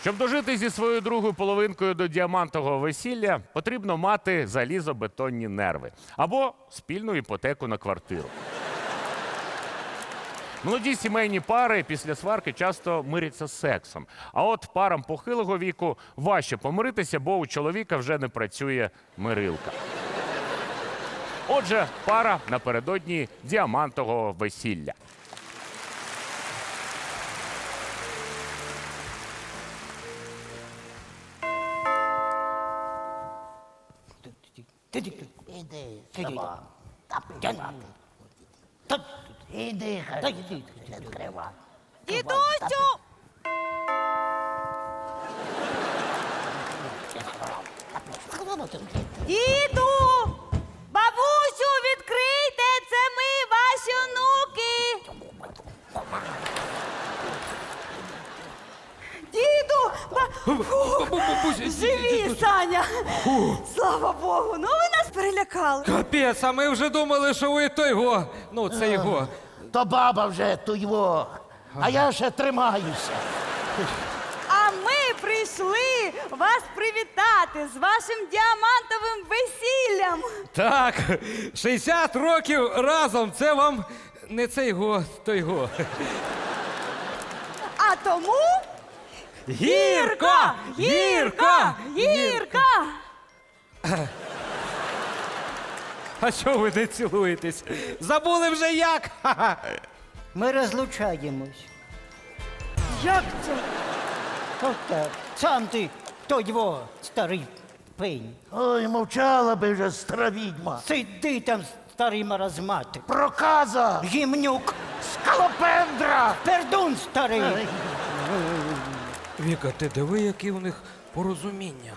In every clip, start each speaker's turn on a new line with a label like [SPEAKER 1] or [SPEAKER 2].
[SPEAKER 1] Щоб дожити зі своєю другою половинкою до діамантового весілля, потрібно мати залізобетонні нерви або спільну іпотеку на квартиру. Молоді сімейні пари після сварки часто миряться сексом. А от парам похилого віку важче помиритися, бо у чоловіка вже не працює мирилка. Отже, пара напередодні діамантового весілля.
[SPEAKER 2] Іди, сама. Іди, хай відкрива.
[SPEAKER 3] Дідусю! Діду! Бабусю, відкрийте! Це ми, ваші онуки! Діду! Живі, Саня! Слава Богу! Ну ви нас перелякали!
[SPEAKER 4] Капець, а ми вже думали, що ви той го. Ну, це його.
[SPEAKER 2] То баба вже туйво, а я ще тримаюся.
[SPEAKER 3] А ми прийшли вас привітати з вашим діамантовим весіллям!
[SPEAKER 4] Так, 60 років разом. Це вам не цей го, той го.
[SPEAKER 3] А тому
[SPEAKER 4] Гірко! Гірко!
[SPEAKER 3] Гірка!
[SPEAKER 4] А що ви не цілуєтесь? Забули вже як? Ха-ха.
[SPEAKER 5] Ми розлучаємось.
[SPEAKER 3] Як це?
[SPEAKER 5] От так. Сам ти, хто його, старий пень.
[SPEAKER 2] Ой, мовчала би вже стара відьма.
[SPEAKER 5] Сиди там, старий маразматик.
[SPEAKER 2] Проказа!
[SPEAKER 5] Гімнюк,
[SPEAKER 2] Скалопендра!
[SPEAKER 5] пердун старий.
[SPEAKER 4] Віка, ти диви, які у них порозуміння.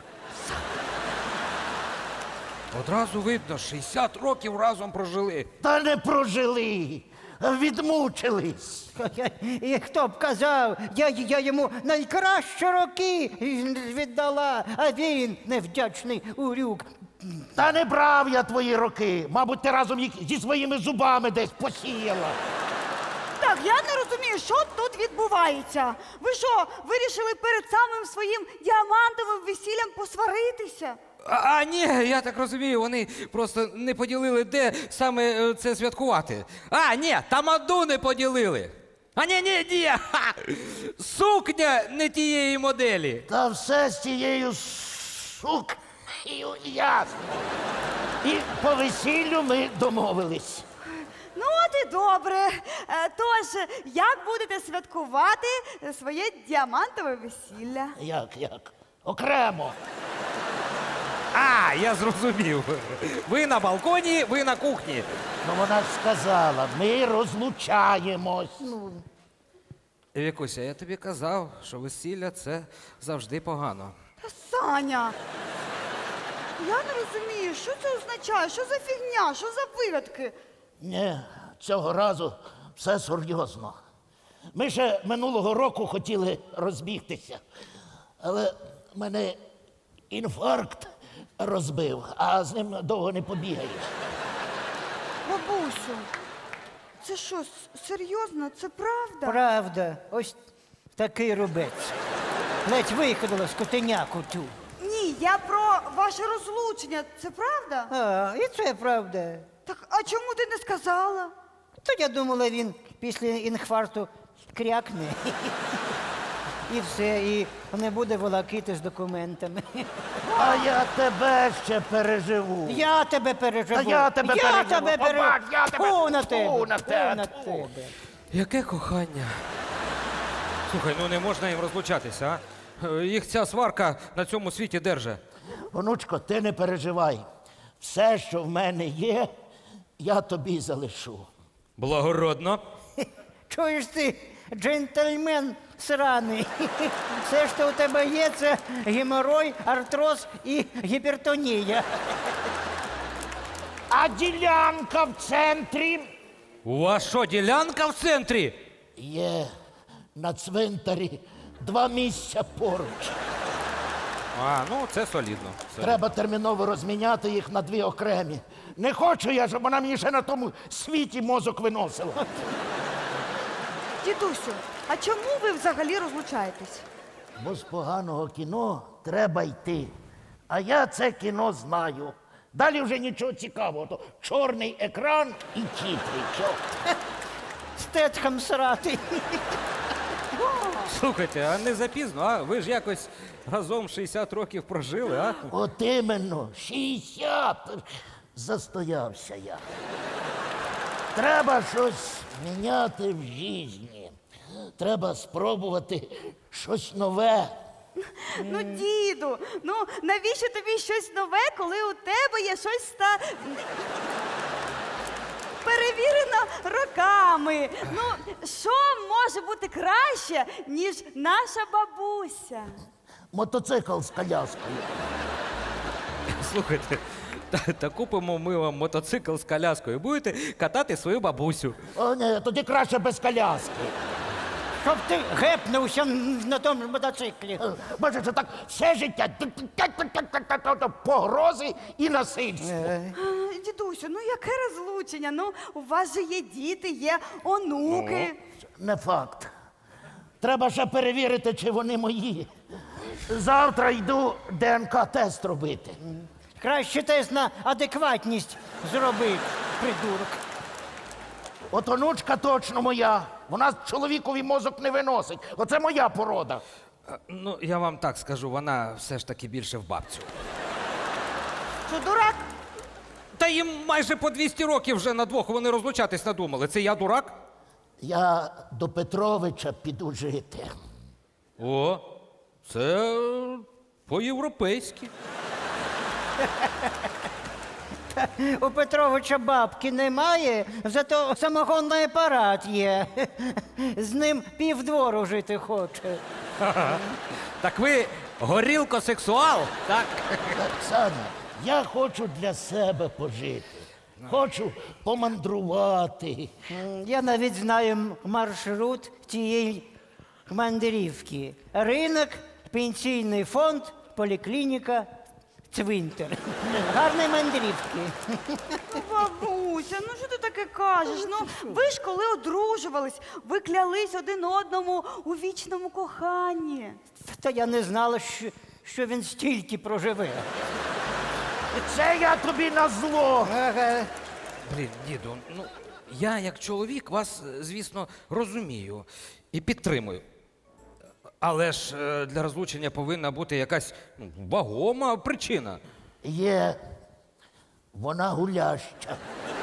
[SPEAKER 4] Одразу видно, 60 років разом прожили.
[SPEAKER 2] Та не прожили, відмучились.
[SPEAKER 5] І хто б казав, я йому найкращі роки віддала, а він невдячний урюк.
[SPEAKER 2] Та не брав я твої роки. Мабуть, ти разом їх зі своїми зубами десь посіяла.
[SPEAKER 3] Так, я не розумію, що тут відбувається. Ви що, вирішили перед самим своїм діамантовим весіллям посваритися?
[SPEAKER 4] А ні, я так розумію, вони просто не поділили, де саме це святкувати. А, ні, тамаду не поділили. А ні, ха! Сукня не тієї моделі.
[SPEAKER 2] Та все з тією сукнею ясно. І по весіллю ми домовились.
[SPEAKER 3] Ну, от і добре. Тож, як будете святкувати своє діамантове весілля?
[SPEAKER 2] Як? Окремо.
[SPEAKER 4] А, я зрозумів. Ви на балконі, ви на кухні.
[SPEAKER 2] Ну вона ж сказала, ми розлучаємось.
[SPEAKER 4] Вікуся, я тобі казав, що весілля це завжди погано.
[SPEAKER 3] Та Саня, я не розумію, що це означає, що за фігня, що за вигадки?
[SPEAKER 2] Ні, цього разу все серйозно. Ми ще минулого року хотіли розбігтися, але мене інфаркт розбив, а з ним довго не побігаєш.
[SPEAKER 3] Бабусю, це що, серйозно? Це правда?
[SPEAKER 5] Правда, ось такий рубець. Ледь виходила скотиняку тю.
[SPEAKER 3] Ні, я про ваше розлучення. Це правда?
[SPEAKER 5] А, і це правда.
[SPEAKER 3] Так, а чому ти не сказала?
[SPEAKER 5] То я думала, він після інфаркту крякне. І все, і не буде волокити з документами.
[SPEAKER 2] А я тебе ще переживу.
[SPEAKER 5] Я тебе переживу.
[SPEAKER 2] Та я тебе переживу. Побач, я тебе-
[SPEAKER 5] Фу на тебе.
[SPEAKER 2] Фу на тебе,
[SPEAKER 5] Фу на
[SPEAKER 2] фу.
[SPEAKER 5] тебе.
[SPEAKER 4] Яке кохання. Слухай, ну не можна їм розлучатися, а? Їх ця сварка на цьому світі держить.
[SPEAKER 2] Онучко, ти не переживай. Все, що в мене є, я тобі залишу.
[SPEAKER 4] Благородно.
[SPEAKER 5] Чуєш ти, джентльмен сраний. Все, що у тебе є, це геморой, артроз і гіпертонія.
[SPEAKER 2] А ділянка в центрі
[SPEAKER 4] У вас що, ділянка в центрі?
[SPEAKER 2] є на цвинтарі 2 місця поруч.
[SPEAKER 4] А, ну це солідно.
[SPEAKER 2] Треба терміново розміняти їх на 2 окремі. Не хочу я, щоб вона мені ще на тому світі мозок виносила.
[SPEAKER 3] Дідусю, а чому ви взагалі розлучаєтесь?
[SPEAKER 2] Бо з поганого кіно треба йти. А я це кіно знаю. Далі вже нічого цікавого. То чорний екран і тітри. Чо?
[SPEAKER 5] Стецьком срати.
[SPEAKER 4] Слухайте, а не запізно, а? Ви ж якось разом 60 років прожили, а?
[SPEAKER 2] От іменно, 60. Застоявся я. Треба щось міняти в житті. Треба спробувати щось нове.
[SPEAKER 3] Ну, діду, ну навіщо тобі щось нове, коли у тебе є щось перевірено роками? Ну, що може бути краще, ніж наша бабуся?
[SPEAKER 2] Мотоцикл з коляскою.
[SPEAKER 4] Слухайте, та купимо ми вам мотоцикл з коляскою. Будете катати свою бабусю.
[SPEAKER 2] О, ні, тоді краще без коляски.
[SPEAKER 5] Щоб ти гепнувся на тому мотоциклі.
[SPEAKER 2] Бачиш, це так все життя. Погрози і насильство.
[SPEAKER 3] Дідусю, ну яке розлучення? Ну, у вас же є діти, є онуки.
[SPEAKER 2] Не факт. Треба ще перевірити, чи вони мої. Завтра йду ДНК-тест робити.
[SPEAKER 5] Краще тест на адекватність зроби, придурок.
[SPEAKER 2] От онучка точно моя. Вона чоловікові мозок не виносить. Оце моя порода.
[SPEAKER 4] Ну, я вам так скажу, вона все ж таки більше в бабцю.
[SPEAKER 3] Що, дурак?
[SPEAKER 4] Та їм майже по 200 років вже на двох вони розлучатись надумали. Це я дурак?
[SPEAKER 2] Я до Петровича піду жити.
[SPEAKER 4] О, це по-європейськи.
[SPEAKER 5] У Петровича бабки немає, зато самогонний апарат є. З ним півдвору жити хоче.
[SPEAKER 4] Так ви горілкосексуал, так?
[SPEAKER 2] Оксана, я хочу для себе пожити. Хочу помандрувати.
[SPEAKER 5] Я навіть знаю маршрут цієї мандрівки. Ринок, пенсійний фонд, поліклініка, цвинтар. Гарні мандрівки.
[SPEAKER 3] Бабуся, ну що ти таке кажеш? Ну, ви ж коли одружувались, ви клялись один одному у вічному коханні.
[SPEAKER 5] Та я не знала, що він стільки проживе.
[SPEAKER 2] Це я тобі на зло.
[SPEAKER 5] Ага.
[SPEAKER 4] Блін, діду, ну я як чоловік вас, звісно, розумію і підтримую. Але ж для розлучення повинна бути якась вагома причина.
[SPEAKER 2] Є. Вона гуляща.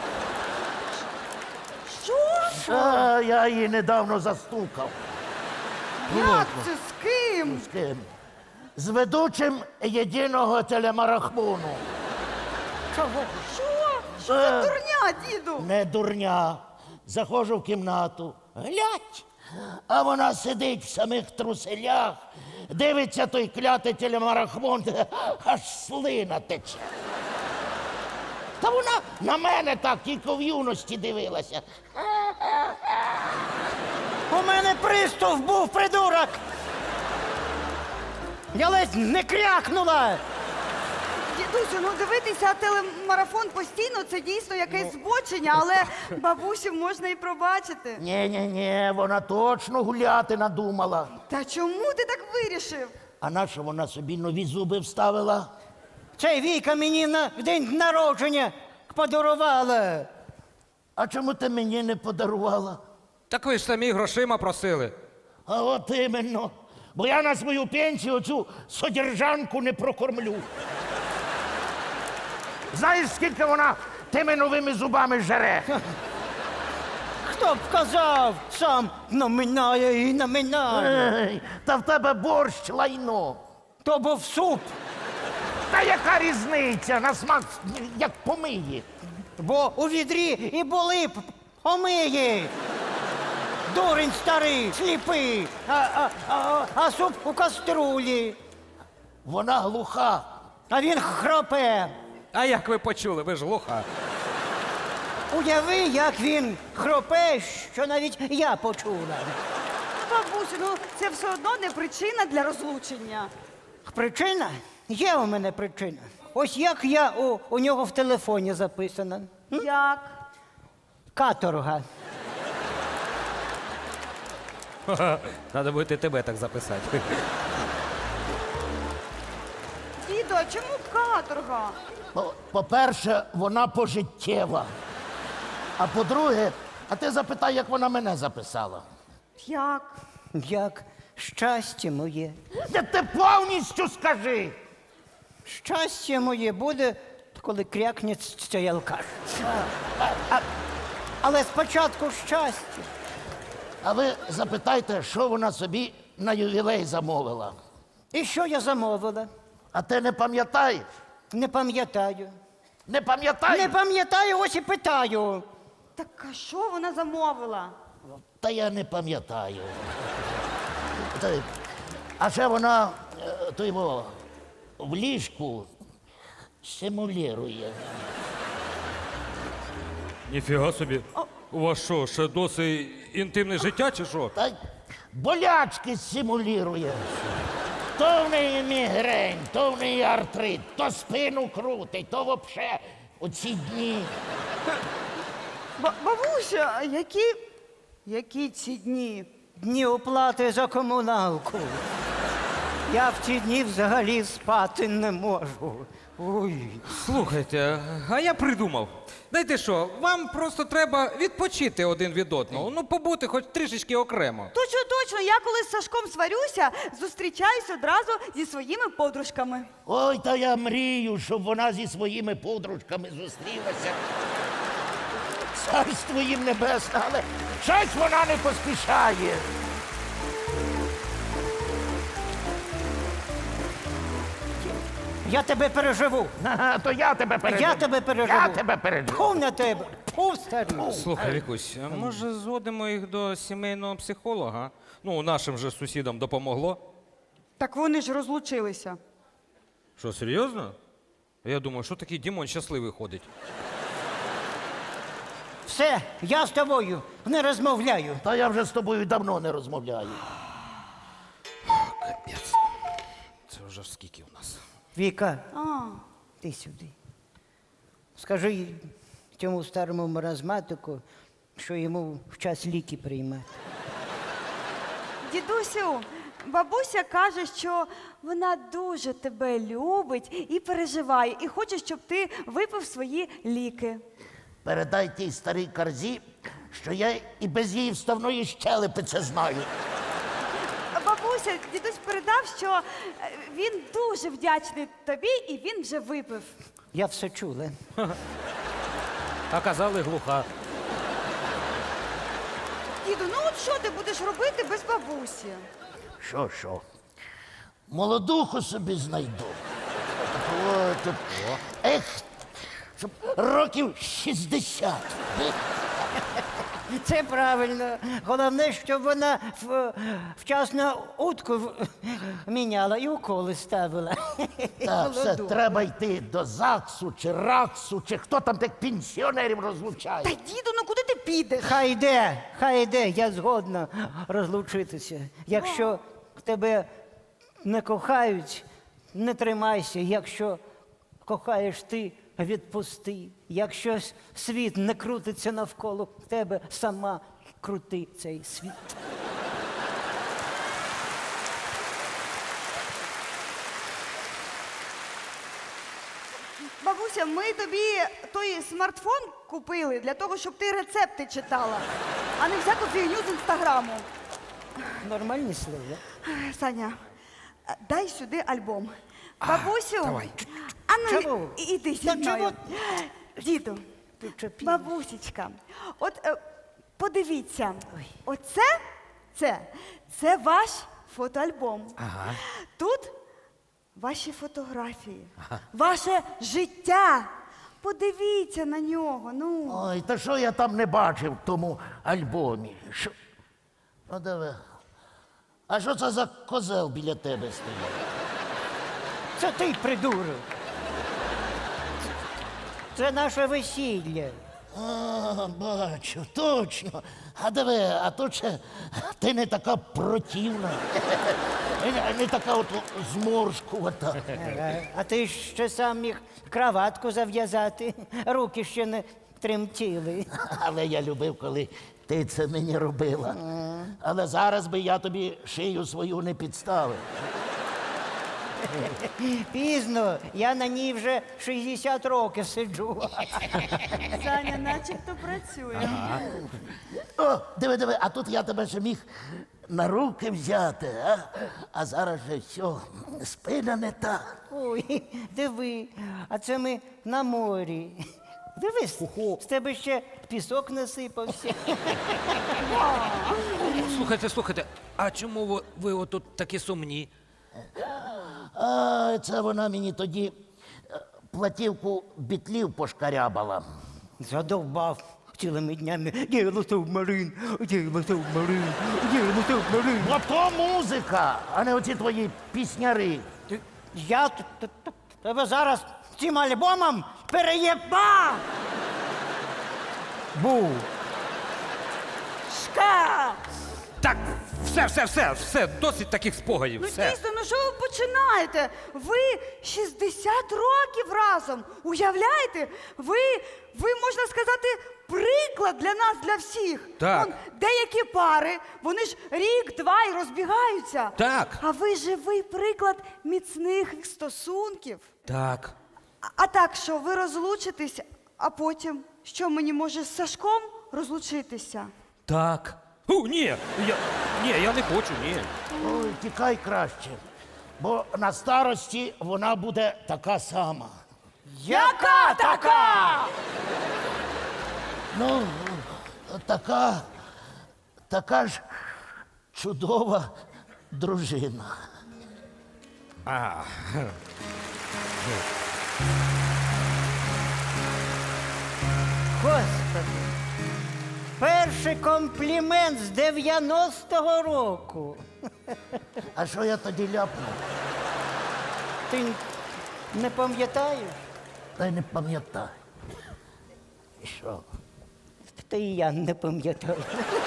[SPEAKER 3] Що?
[SPEAKER 2] А, я її недавно застукав.
[SPEAKER 3] Як це? З ким?
[SPEAKER 2] З ким? З ведучим єдиного телемарафону.
[SPEAKER 3] Чого? Що за дурня, діду?
[SPEAKER 2] Не дурня. Заходжу в кімнату. Глядь. А вона сидить в самих труселях, дивиться той клятий телемарафон, аж слина тече. Та вона на мене так тільки в юності дивилася.
[SPEAKER 5] У мене приступ був, придурок! Я ледь не крякнула!
[SPEAKER 3] Дідусю, ну дивитися телемарафон постійно це дійсно якесь збочення, але бабусю можна і пробачити.
[SPEAKER 2] Ні, вона точно гуляти надумала.
[SPEAKER 3] Та чому ти так вирішив?
[SPEAKER 2] А нащо вона собі нові зуби вставила?
[SPEAKER 5] Цей Віка мені на день народження подарувала.
[SPEAKER 2] А чому ти мені не подарувала?
[SPEAKER 4] Так ви ж самі грошима просили.
[SPEAKER 2] А от іменно. Бо я на свою пенсію цю содержанку не прокормлю. Знаєш, скільки вона тими новими зубами жере?
[SPEAKER 5] Хто б казав, сам наминає і наминає.
[SPEAKER 2] Ей, та в тебе борщ лайно.
[SPEAKER 5] То був суп,
[SPEAKER 2] Та яка різниця? На смак як помиє.
[SPEAKER 5] бо у відрі і були б омиї. Дурень старий, сліпий, а суп у каструлі.
[SPEAKER 2] Вона глуха.
[SPEAKER 5] А він хропе.
[SPEAKER 4] А як ви почули? Ви ж глуха.
[SPEAKER 5] Уяви, як він хропе, що навіть я почула.
[SPEAKER 3] Бабусю, ну це все одно не причина для розлучення.
[SPEAKER 5] Причина? Є у мене причина. Ось як я у нього в телефоні записана.
[SPEAKER 3] Як?
[SPEAKER 5] Каторга.
[SPEAKER 4] Треба буде тебе так записати.
[SPEAKER 3] Діду, а чому каторга?
[SPEAKER 2] По-перше, вона пожиттєва. А по-друге, а ти запитай, як вона мене записала.
[SPEAKER 3] Як?
[SPEAKER 5] Як щастя моє.
[SPEAKER 2] Де ти повністю скажи.
[SPEAKER 5] Щастя моє буде, коли крякне цей алкаш. Але спочатку щастя.
[SPEAKER 2] А ви запитайте, що вона собі на ювілей замовила.
[SPEAKER 5] І що я замовила?
[SPEAKER 2] А ти не пам'ятаєш?
[SPEAKER 5] Не пам'ятаю.
[SPEAKER 2] Не пам'ятаєш?
[SPEAKER 5] Не пам'ятаю, ось і питаю.
[SPEAKER 3] Так а що вона замовила?
[SPEAKER 2] Та я не пам'ятаю. А ще вона то його в ліжку симулює.
[SPEAKER 4] Ніфіга собі. У вас що, ще досить інтимне життя чи що?
[SPEAKER 2] Та й болячки симулює. То в неї мігрень, то в неї артрит, то спину крутить, то взагалі оці дні.
[SPEAKER 3] Бабуся, які ці дні?
[SPEAKER 5] Дні оплати за комуналку. Я в ці дні взагалі спати не можу. Ой.
[SPEAKER 4] Слухайте, а я придумав. Знаєте що, вам просто треба відпочити один від одного. Ну, побути хоч трішечки окремо.
[SPEAKER 3] Точно, точно, я коли з Сашком сварюся, зустрічаюсь одразу зі своїми подружками.
[SPEAKER 2] Ой, та я мрію, щоб вона зі своїми подружками зустрілася. Царство їм небесне, але щось вона не поспішає.
[SPEAKER 5] Я тебе переживу.
[SPEAKER 2] Ага, то я тебе переживу.
[SPEAKER 5] Я тебе переживу.
[SPEAKER 2] Я тебе переживу.
[SPEAKER 5] Фу на тебе. Фу, старий.
[SPEAKER 4] Слухай, Вікусь, а може зводимо їх до сімейного психолога? Ну, нашим же сусідам допомогло.
[SPEAKER 3] Так вони ж розлучилися.
[SPEAKER 4] Що, серйозно? Я думаю, що такий Дімон щасливий ходить.
[SPEAKER 5] Все, я з тобою не розмовляю.
[SPEAKER 2] Та я вже з тобою давно не розмовляю.
[SPEAKER 4] Капець. Це вже ж скільки у нас?
[SPEAKER 5] Віка,
[SPEAKER 3] А,
[SPEAKER 5] ти сюди. Скажи цьому старому маразматику, що йому в час ліки приймати.
[SPEAKER 3] дідусю, бабуся каже, що вона дуже тебе любить і переживає, і хоче, щоб ти випив свої ліки.
[SPEAKER 2] Передай тій старій карзі, що я і без її вставної щелепи це знаю.
[SPEAKER 3] А бабуся, дідусь передав, що він дуже вдячний тобі, і він вже випив.
[SPEAKER 5] Я все чула.
[SPEAKER 4] А казали глуха.
[SPEAKER 3] Діду, ну от що ти будеш робити без бабусі?
[SPEAKER 2] Що? Молодуху собі знайду. От, ех, щоб років 60.
[SPEAKER 5] Це правильно. Головне, щоб вона вчасно утку міняла і уколи ставила.
[SPEAKER 2] Так, все,
[SPEAKER 5] Молоду.
[SPEAKER 2] треба йти до ЗАГСу чи РАКСу, чи хто там тих пенсіонерів
[SPEAKER 3] Та
[SPEAKER 2] розлучає.
[SPEAKER 3] діду, ну куди ти підеш?
[SPEAKER 5] Хай йде, я згодна розлучитися. Якщо тебе не кохають, не тримайся. Якщо кохаєш ти, відпусти. Якщо світ не крутиться навколо тебе, сама крути цей світ.
[SPEAKER 3] Бабуся, ми тобі той смартфон купили для того, щоб ти рецепти читала, а не всяку фігню з інстаграму.
[SPEAKER 5] Нормальні слова.
[SPEAKER 3] Саня, дай сюди альбом. Бабусю,
[SPEAKER 4] давай.
[SPEAKER 3] а ну
[SPEAKER 5] Чого?
[SPEAKER 3] іди зі
[SPEAKER 5] Та
[SPEAKER 3] мною.
[SPEAKER 5] чого?
[SPEAKER 3] Діду,
[SPEAKER 5] Ти чопі.
[SPEAKER 3] бабусечка, от подивіться, це ваш фотоальбом.
[SPEAKER 4] Ага.
[SPEAKER 3] Тут ваші фотографії, ваше життя. Подивіться на нього. Ну.
[SPEAKER 2] Ой, та що я там не бачив в тому альбомі? Що? Ну, диви. А що це за козел біля тебе стоїть?
[SPEAKER 5] Це ти придурок. Це наше весілля.
[SPEAKER 2] А, бачу, точно. А диви, а то ще ти не така противна, не така от зморшкувата.
[SPEAKER 5] А ти ще сам міг краватку зав'язати, руки ще не тремтіли.
[SPEAKER 2] Але я любив, коли ти це мені робила. Але зараз би я тобі шию свою не підставив.
[SPEAKER 5] Пізно, я на ній вже 60 років сиджу.
[SPEAKER 3] Саня, начебто працює.
[SPEAKER 2] О, диви, а тут я тебе ще міг на руки взяти, а? А зараз же все, спина не та.
[SPEAKER 5] Ой, диви, а це ми на морі. Дивись, з тебе ще пісок насипався.
[SPEAKER 4] Слухайте, а чому ви отут такі сумні?
[SPEAKER 2] А це вона мені тоді платівку бітлів пошкарябала.
[SPEAKER 5] Задовбав цілими днями. Діло субмарин, діло субмарин, діло субмарин.
[SPEAKER 2] Ото музика, а не оці твої пісняри.
[SPEAKER 5] Я тебе зараз цим альбомом переєба! Був.
[SPEAKER 3] Шка!
[SPEAKER 4] Так, все, досить таких спогадів.
[SPEAKER 3] Ну
[SPEAKER 4] Все.
[SPEAKER 3] дійсно, ну що ви починаєте? Ви 60 років разом. Уявляєте? Ви, можна сказати, приклад для нас, для всіх.
[SPEAKER 4] Так.
[SPEAKER 3] Вон, деякі пари, вони ж рік-два і розбігаються.
[SPEAKER 4] Так.
[SPEAKER 3] А ви живий приклад міцних стосунків.
[SPEAKER 4] Так.
[SPEAKER 3] А так що, ви розлучитесь, а потім, що мені може з Сашком розлучитися?
[SPEAKER 4] Так. Ні, я не хочу, ні.
[SPEAKER 2] Ой, тікай краще, бо на старості вона буде така сама.
[SPEAKER 3] Яка така?
[SPEAKER 2] Ну, така ж чудова дружина.
[SPEAKER 5] Господи, перший комплімент з 90-го року.
[SPEAKER 2] А що я тоді ляпнув?
[SPEAKER 5] Ти не пам'ятаєш?
[SPEAKER 2] Та й не пам'ятаю. І що?
[SPEAKER 5] Та і я не пам'ятаю.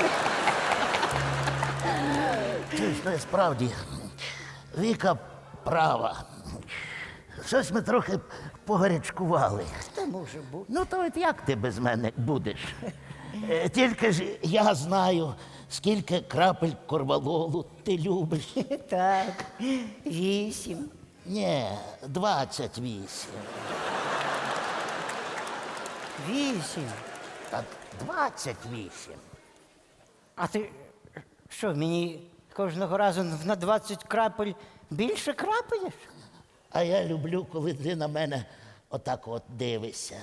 [SPEAKER 2] Чуєш, ну, справді, Віка права. Щось ми трохи погарячкували.
[SPEAKER 5] Та може бути.
[SPEAKER 2] Ну, то от як ти без мене будеш? Тільки ж я знаю, скільки крапель корвалолу ти любиш.
[SPEAKER 5] Так, 8.
[SPEAKER 2] Ні, 28.
[SPEAKER 5] 8.
[SPEAKER 2] Так, 28.
[SPEAKER 5] А ти що, мені кожного разу на 20 крапель більше крапаєш?
[SPEAKER 2] А я люблю, коли ти на мене отак от дивишся.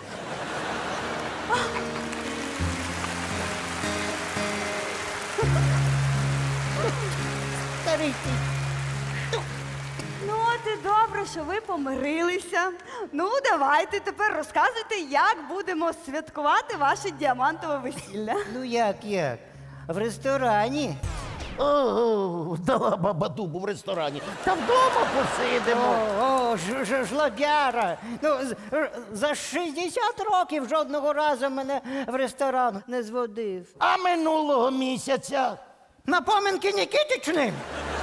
[SPEAKER 5] Старий ти.
[SPEAKER 3] Ну, от і добре, що ви помирилися. Ну, давайте тепер розказуйте, як будемо святкувати ваше діамантове весілля.
[SPEAKER 5] Ну як? В ресторані.
[SPEAKER 2] О, дала баба дубу в ресторані. Та вдома посидимо.
[SPEAKER 5] Жлобяра. Ну, за 60 років жодного разу мене в ресторан не зводив.
[SPEAKER 2] А минулого місяця
[SPEAKER 5] На поминки Нікітичним?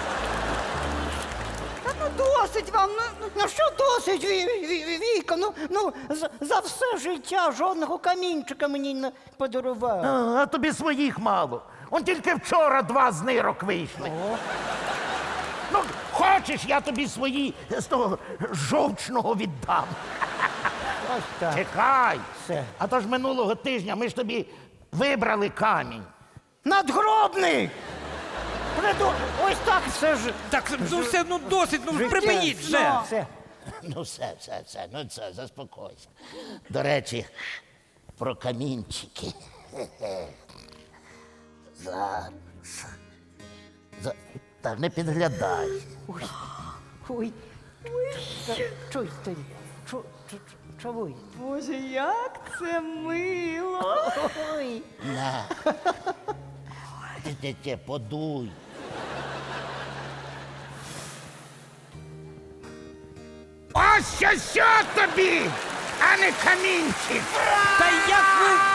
[SPEAKER 3] Та ну досить вам,
[SPEAKER 5] Ну що досить, Віка? Ну, за все життя жодного камінчика мені не подарував.
[SPEAKER 2] а тобі своїх мало. Он тільки вчора 2 з нирок вийшли. Ну, хочеш, я тобі свої з того жовчного віддам.
[SPEAKER 5] Ось так.
[SPEAKER 2] Чекай.
[SPEAKER 5] Все.
[SPEAKER 2] А то ж минулого тижня ми ж тобі вибрали камінь.
[SPEAKER 5] Надгробний! Ось так все ж.
[SPEAKER 4] Так, ну все, ну досить, ну припиніть вже.
[SPEAKER 5] Все.
[SPEAKER 2] Ну, все, ну це, заспокойся. До речі, про камінчики. Зараз. Та не підглядай.
[SPEAKER 5] Ой. Чуй, ти. Чуй.
[SPEAKER 3] Боже, як це мило.
[SPEAKER 5] Ой.
[SPEAKER 2] На. Ти, подуй. Ось що тобі, а не камінчик.
[SPEAKER 4] Та як ви